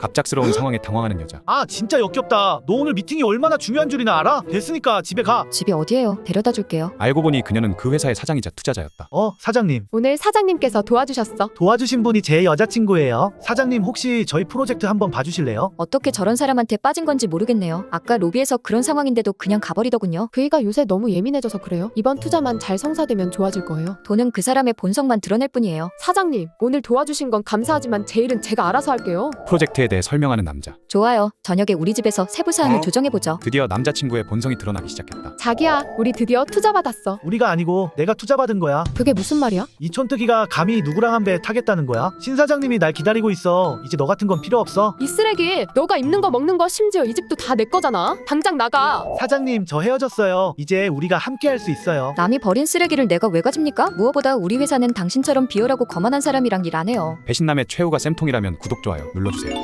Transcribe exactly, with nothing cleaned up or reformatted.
갑작스러운 상황에 당황하는 여자. 아 진짜 역겹다. 너 오늘 미팅이 얼마나 중요한 줄이나 알아? 됐으니까 집에 가. 집이 어디예요? 데려다 줄게요. 알고 보니 그녀는 그 회사의 사장이자 투자자였다. 어 사장님. 오늘 사장님께서 도와주셨어. 도와주신 분이 제 여자친구예요. 사장님 혹시 저희 프로젝트 한번 봐주실래요? 어떻게 저런 사람한테 빠진 건지 모르겠네요. 아까 로비에서 그런 상황인데도 그냥 가버리더군요. 그이가 요새 너무 예민해져서 그래요. 이번 투자만 잘 성사되면 좋아질 거예요. 돈은 그 사람의 본성만 드러낼 뿐이에요. 사장님, 오늘 도와주신 건 감사하지만 제 일은 제가 알아서 할게요. 프로젝트에 대해 설명하는 남자. 좋아요. 저녁에 우리 집에서 세부 사항을 어? 조정해보죠. 드디어 남자친구의 본성이 드러나기 시작했다. 자기야, 우리 드디어 투자 받았어. 우리가 아니고 내가 투자받은 거야. 그게 무슨 말이야? 이 촌뜨기가 감히 누구랑 한 배 타겠다는 거야? 신 사장님이 날 기다리고 있어. 이제 너 같은 건 필요 없어. 이 쓰레기, 너가 입는 거 먹는 거 심지어 이 집도 다 내 거잖아. 당장 나가. 사장님 저 헤어졌어요. 이제 우리가 함께 할 수 있어요. 남이 버린 쓰레기를 내가 왜 가집니까? 무엇보다 우리 회사는 당신처럼 비열하고 거만한 사람이랑 일 안 해요. 배신남의 최후가 쌤통이라면 구독, 좋아요 눌러주세요.